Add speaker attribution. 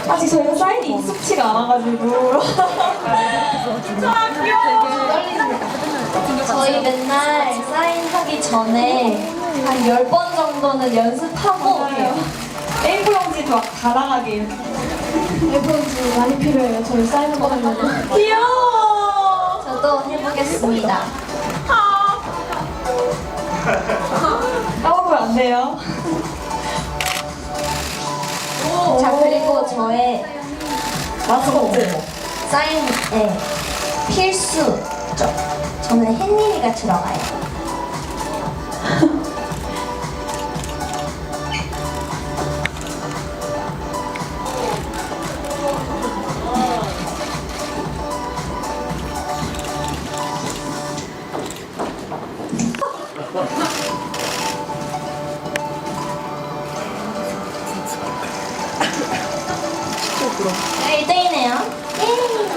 Speaker 1: 아직 저희가 사인이 익숙치가 않아가지고. 아, 귀여워.
Speaker 2: 저희 맨날 사인하기 전에 한 10번 정도는 연습하고
Speaker 1: A4 용지 다 나가게 이렇게.
Speaker 3: A4용지 많이 필요해요. 저희 사인을 받으려면.
Speaker 1: 귀여워.
Speaker 2: 저도 해보겠습니다.
Speaker 1: 까먹으면 안 돼요.
Speaker 2: 자, 그리고 저의
Speaker 1: 마스코트.
Speaker 2: 사인에 필수죠. 저는 햇님이가 들어가요. 네, 1등이네요. 예.